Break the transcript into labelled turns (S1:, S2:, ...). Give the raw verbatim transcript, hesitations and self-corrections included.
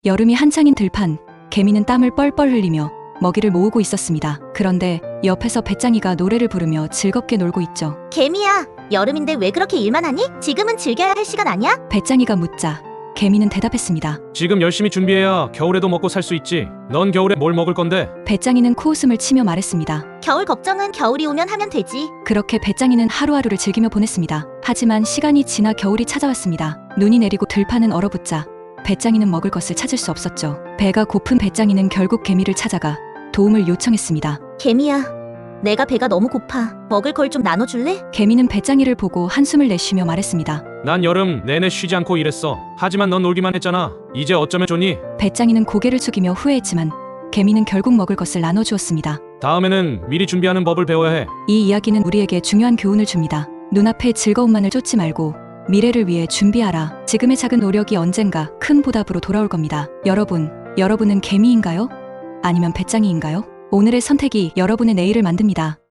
S1: 여름이 한창인 들판, 개미는 땀을 뻘뻘 흘리며 먹이를 모으고 있었습니다. 그런데 옆에서 배짱이가 노래를 부르며 즐겁게 놀고 있죠.
S2: 개미야, 여름인데 왜 그렇게 일만 하니? 지금은 즐겨야 할 시간 아니야?
S1: 배짱이가 묻자 개미는 대답했습니다.
S3: 지금 열심히 준비해야 겨울에도 먹고 살 수 있지. 넌 겨울에 뭘 먹을 건데?
S1: 배짱이는 코웃음을 치며 말했습니다.
S2: 겨울 걱정은 겨울이 오면 하면 되지.
S1: 그렇게 배짱이는 하루하루를 즐기며 보냈습니다. 하지만 시간이 지나 겨울이 찾아왔습니다. 눈이 내리고 들판은 얼어붙자 배짱이는 먹을 것을 찾을 수 없었죠. 배가 고픈 배짱이는 결국 개미를 찾아가 도움을 요청했습니다.
S2: 개미야, 내가 배가 너무 고파. 먹을 걸 좀 나눠줄래?
S1: 개미는 배짱이를 보고 한숨을 내쉬며 말했습니다.
S3: 난 여름 내내 쉬지 않고 일했어. 하지만 넌 놀기만 했잖아. 이제 어쩌면 좋니?
S1: 배짱이는 고개를 숙이며 후회했지만 개미는 결국 먹을 것을 나눠주었습니다.
S3: 다음에는 미리 준비하는 법을 배워야 해.
S1: 이 이야기는 우리에게 중요한 교훈을 줍니다. 눈앞의 즐거움만을 쫓지 말고 미래를 위해 준비하라. 지금의 작은 노력이 언젠가 큰 보답으로 돌아올 겁니다. 여러분, 여러분은 개미인가요? 아니면 배짱이인가요? 오늘의 선택이 여러분의 내일을 만듭니다.